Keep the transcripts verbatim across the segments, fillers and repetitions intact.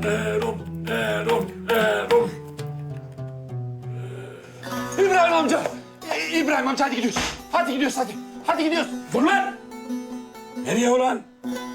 Erol, Erol, Erol. İbrahim amca. İ- İbrahim amca hadi gidiyoruz. Hadi gidiyoruz hadi. Hadi gidiyoruz. Dur lan! Nereye ulan?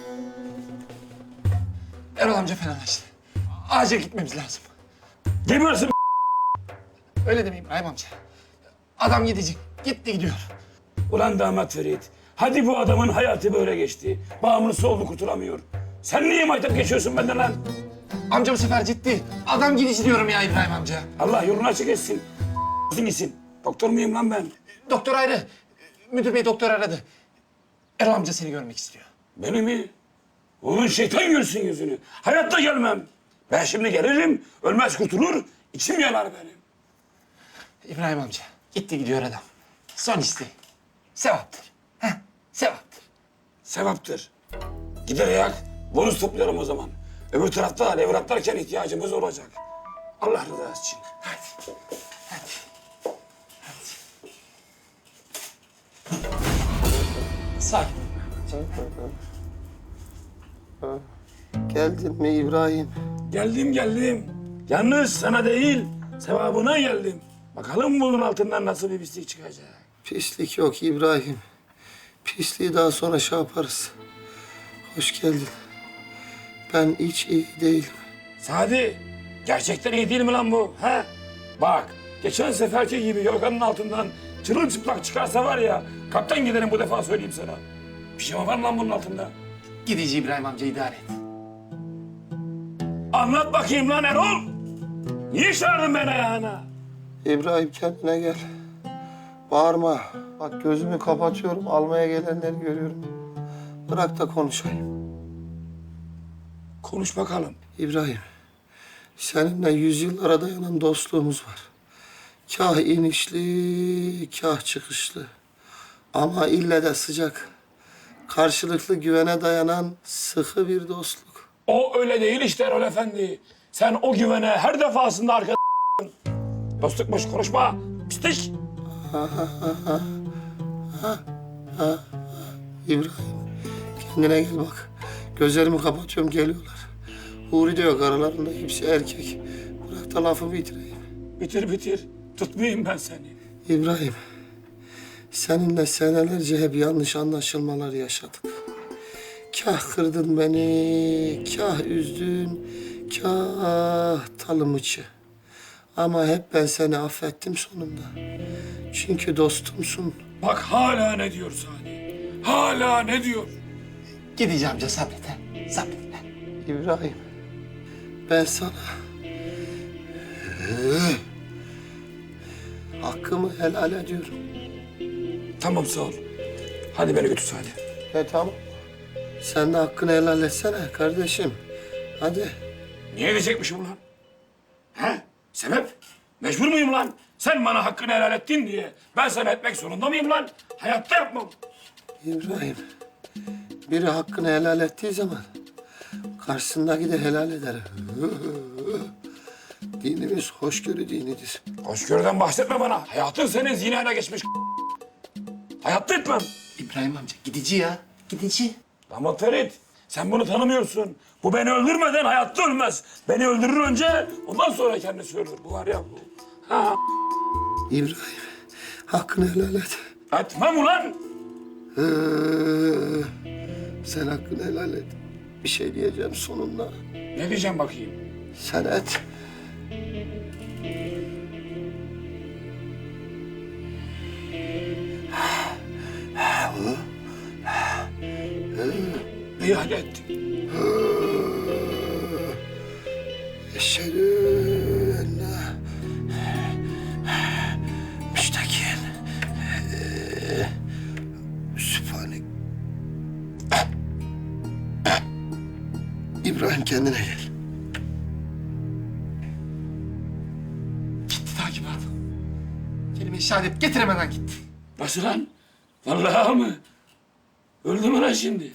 Erol amca fenalaştı. Acil gitmemiz lazım. Gebersin. Öyle deme İbrahim amca. Adam gidecek. Gitti gidiyor. Ulan damat Ferit. Hadi bu adamın hayatı böyle geçti. Bağımlısı oldu kurtulamıyor. Sen niye maytap geçiyorsun benden lan? Amca bu sefer ciddi. Adam gidici diyorum ya İbrahim amca. Allah yolunu açık etsin. gitsin. Doktor muyum lan ben? Doktor ayrı. Müdür bey doktor aradı. Erol amca seni görmek istiyor. Beni mi? Onun şeytan görsün yüzünü. Hayatta gelmem. Ben şimdi gelirim, ölmez kurtulur, içim yanar benim. İbrahim amca gitti gidiyor adam. Son isteği. Sevaptır. Heh, sevaptır. Sevaptır. Gider ayak, bonus topluyorum o zaman. Öbür tarafta levratlarken ihtiyacımız olacak. Allah rızası için. Hadi. Hadi. Hadi. Sakin. Geldin mi İbrahim? Geldim geldim. Yalnız sana değil, sevabına geldim. Bakalım bunun altından nasıl bir pislik çıkacak. Pislik yok İbrahim. Pisliği daha sonra şey yaparız. Hoş geldin. Ben hiç iyi değilim. Sadi, gerçekten iyi değil mi lan bu? Ha? Bak, geçen seferki gibi yorganın altından çırılçıplak çıkarsa var ya, kaptan giderim bu defa söyleyeyim sana. Pijama var mı lan bunun altında? Gidici İbrahim amca idare et. Anlat bakayım lan Erol. Niye çağırdın beni ayağına? İbrahim kendine gel. Bağırma. Bak gözümü kapatıyorum. Almaya gelenleri görüyorum. Bırak da konuşayım. Konuş bakalım. İbrahim, seninle yüzyıllara dayanan dostluğumuz var. Kah inişli, kah çıkışlı. Ama ille de sıcak. Karşılıklı güvene dayanan sıkı bir dostluk. O öyle değil işte Erol Efendi. Sen o güvene her defasında arka dostluk boş konuşma. Pislik. İbrahim, kendine gel bak. Gözlerimi kapatıyorum, geliyorlar. Huri de yok aralarında, hepsi erkek. Bırak da lafı bitireyim. Bitir bitir. Tutmayayım ben seni. İbrahim, seninle senelerce hep yanlış anlaşılmalar yaşadık. Kah kırdın beni, kah üzdün, kah talımıçı. Ama hep ben seni affettim sonunda. Çünkü dostumsun. Bak hala ne diyor Sadi. Hala ne diyor? Gidici amca sabret ha. Sabret lan. İbrahim, ben sana hakkımı helal ediyorum. Tamam sağ ol. Hadi beni götür Sadi. He tamam. Sen de hakkını helal etsene kardeşim. Hadi. Niye edecekmişim lan? He? Sebep? Mecbur muyum lan? Sen bana hakkını helal ettin diye ben sana etmek zorunda mıyım lan? Hayatta yapmam. İbrahim, biri hakkını helal ettiği zaman karşısındaki de helal eder. Dinimiz hoşgörü dinidir. Hoşgörüden bahsetme bana. Hayatın senin zinayla geçmiş. Hayatta etmem. İbrahim amca gidici ya. Gidici. Damat Ferit, sen bunu tanımıyorsun. Bu beni öldürmeden hayatta ölmez. Beni öldürür önce, ondan sonra kendisi ölür. Bu var ya bu. Ha. İbrahim, hakkını helal et. Etmem ulan. Ee, sen hakkını helal et. Bir şey diyeceğim sonunda. Ne diyeceğim bakayım? Sen et. İyi hadi ettim. Eşhedü enne müstakin. Sübhanek. İbrahim kendine gel. Gitti takibat. Kelime-i şehadet getiremeden gitti. Nasıl lan? Vallahi mı? Öldü mü lan şimdi?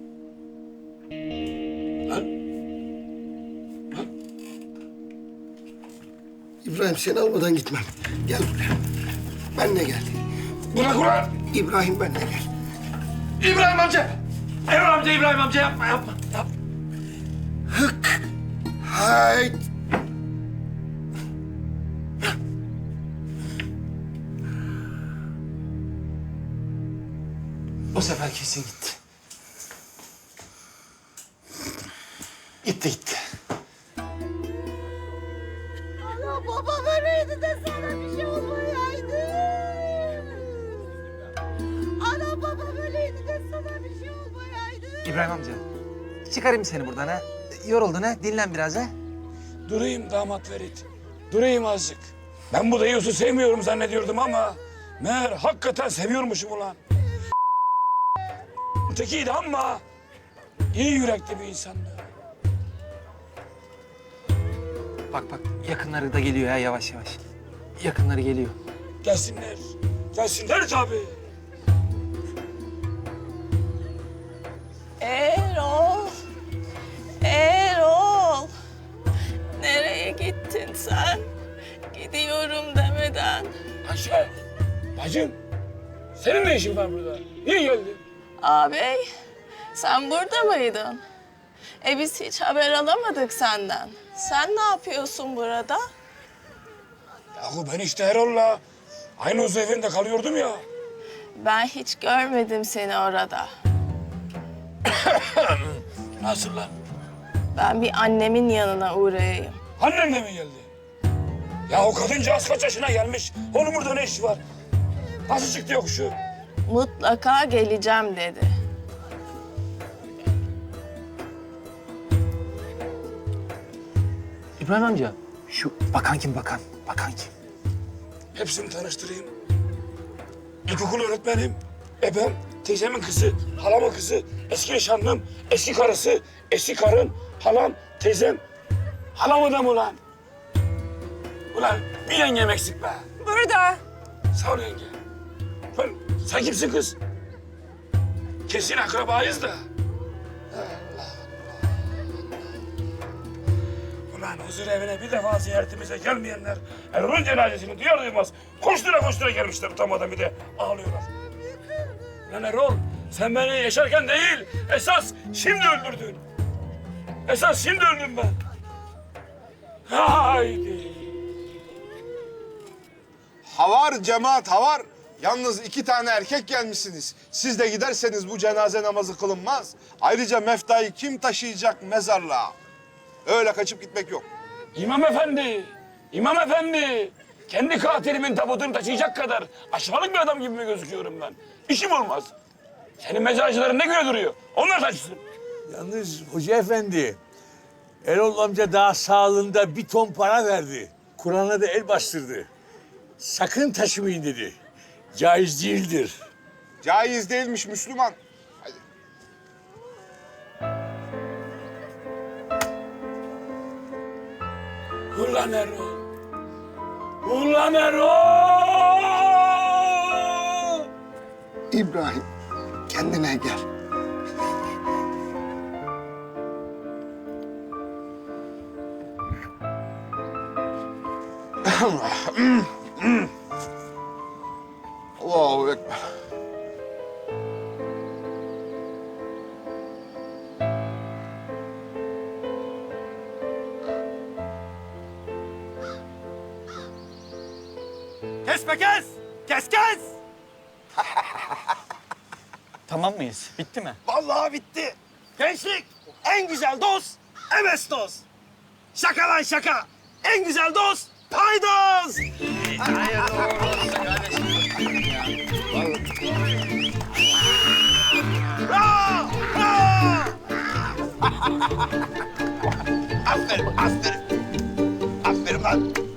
Lan. Lan. İbrahim seni almadan gitmem. Gel buraya. Benle gel. Bırak ulan! İbrahim benle gel. İbrahim amca! İbrahim amca, İbrahim amca yapma, yapma. yapma. Hık. Hayt. Bu sefer kesin gitti. Gitti, gitti. Ana babam öleydi de sana bir şey olmayaydı. Ana babam öleydi de sana bir şey olmayaydı. İbrahim amca, çıkarayım seni buradan ha. Yoruldun ha, dinlen biraz ha. Durayım damat Ferit. Durayım azıcık. Ben bu deyiyosu sevmiyorum zannediyordum ama... meğer hakikaten seviyormuşum ulan. Ötekiydi ama... iyi yürekli bir insandı. Bak bak, yakınları da geliyor ha yavaş yavaş. Yakınları geliyor. Gelsinler. Gelsinler tabii. Erol. Erol. Nereye gittin sen? Gidiyorum demeden. Ayşe, bacım. Senin ne işin var burada? Niye geldin? Ağabey, sen burada mıydın? E biz hiç haber alamadık senden. Sen ne yapıyorsun burada? Yahu ben işte Erol'la aynı huzur evinde kalıyordum ya. Ben hiç görmedim seni orada. Nasıl lan? Ben bir annemin yanına uğrayayım. Annen de mi geldi? Ya o kadıncağız kaç yaşına gelmiş? Onun burada ne işi var? Nasıl çıktı yokuşu? Mutlaka geleceğim dedi. İbrahim amca, şu bakan kim bakan? Bakan kim? Hepsini tanıştırayım. İlkokul öğretmenim, ebem, teyzemin kızı, halamın kızı, eski nişanlım, eski karısı, eski karın, halam, teyzem. Halamı da mı ulan? Ulan bir yengem eksik be. Burada. Sağ ol yenge. Lan sen kimsin kız? Kesin akrabayız da. Allah Allah. Ulan huzur evine bir defa ziyaretimize gelmeyenler Erol'un cenazesini duyar duymaz koştura koştura gelmişler utanmadan bir de ağlıyorlar. Lan Erol sen beni yaşarken değil esas şimdi öldürdün. Esas şimdi öldüm ben. Haydi. Havar cemaat havar. Yalnız iki tane erkek gelmişsiniz. Siz de giderseniz bu cenaze namazı kılınmaz. Ayrıca meftayı kim taşıyacak mezarlığa? Öyle kaçıp gitmek yok. İmam efendi, imam efendi. Kendi katilimin tabutunu taşıyacak kadar aşağılık bir adam gibi mi gözüküyorum ben? İşim olmaz. Senin mezarcıların ne göre duruyor? Onlar taşısın. Yalnız hoca efendi, Erol amca daha sağlığında bir ton para verdi. Kur'an'a da el bastırdı. Sakın taşımayın dedi. Caiz değildir. Caiz değilmiş Müslüman. Hadi. Ulan Erol. Ulan Erol! İbrahim kendine gel. Allahu Ekber. Kes be kes! Kes kes! Tamam mıyız? Bitti mi? Vallahi bitti. Gençlik en güzel dost emes dost. Şaka lan şaka. En güzel dost paydos. Bravo! Bravo! Aferin, aferin. Aferin lan.